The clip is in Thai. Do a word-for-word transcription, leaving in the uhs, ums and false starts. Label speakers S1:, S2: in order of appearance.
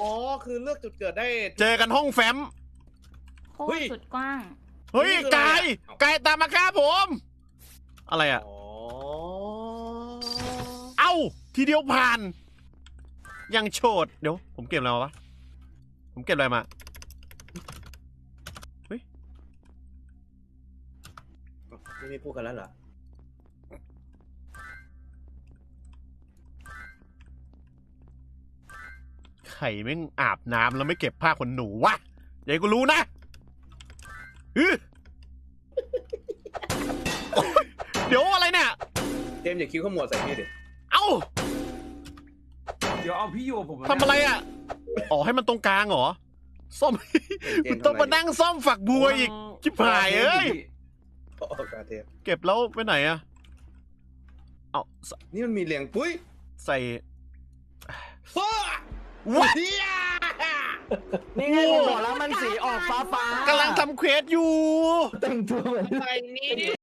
S1: อ๋อคือเลือกจุดเกิดได้
S2: เจอกันห้องแฟ้ม
S3: โคตรสุดกว้าง
S2: เฮ้ยกายกายตามมาฆ่าผม อะไรอ่ะ
S1: อ๋อ
S2: เอ้าทีเดียวผ่าน ยังโฉดเดี๋ยวผมเก็บอะไรมาวะผมเก็บอะไรมาเฮ้ย
S1: นี่ไม่พูดกันแล้วเหรอ
S2: ไข่แม่งอาบน้ำแล้วไม่เก็บผ้าขนหนูวะอย่าให้กูรู้นะอื้อเดี๋ยวอะไรเนี่ย
S1: เจมส์อย่าคิ้วขมวดใส่พี่ดิ
S2: เอ้า
S4: เดี๋ยวเอาพี่อยู่กับผม
S2: ทำอะไรอ่ะอ๋อให้มันตรงกลางเหรอซ่อม
S1: เจ
S2: กู
S1: มส์
S2: ต้องมานั่งซ่อมฝักบัวอีกชิบหายเอ้ย
S1: โอ้กาเทป
S2: เก็บแล้วไปไหนอะเอาใส่
S1: นี่มันมีเรียงปุ้ย
S2: ใส่
S1: ว้า
S2: ว้า
S1: เฮีย
S5: นี่ไงผมบอกแล้วมันสีออกฟ้าฟ้าก
S2: ำลังทำเควสอยู่
S5: แต่งตัวเหมือน
S1: อะไรนี่